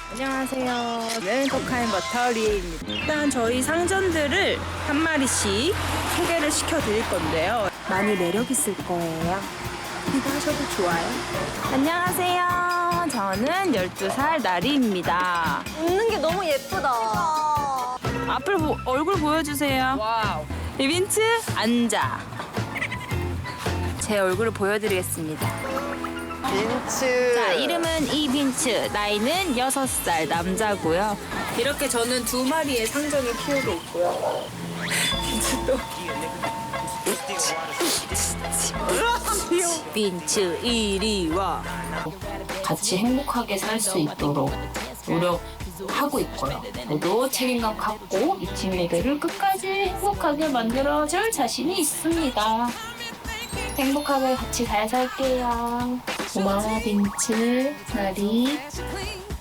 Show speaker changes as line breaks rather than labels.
안녕하세요. 저는 코카인버터 리에입니다. 일단 저희 상전들을 한 마리씩 소개를 시켜드릴 건데요. 많이 매력 있을 거예요. 기대하셔도 좋아요. 안녕하세요. 저는 12살 나리입니다.
웃는 게 너무 예쁘다.
얼굴 보여주세요. 와우. 이빈츠 앉아. 제 얼굴을 보여드리겠습니다.
빈츠.
자, 이름은 이빈츠, 나이는 6살 남자고요. 이렇게 저는 2마리의 상전을 키우고 있고요. 빈츠도. 빈츠 이리 와.
같이 행복하게 살 수 있도록 노력하고 있고요. 저도 책임감 갖고 이 친구들을 끝까지 행복하게 만들어줄 자신이 있습니다. 행복하게 같이 잘 살게요. 고마워 빈츠, 나리.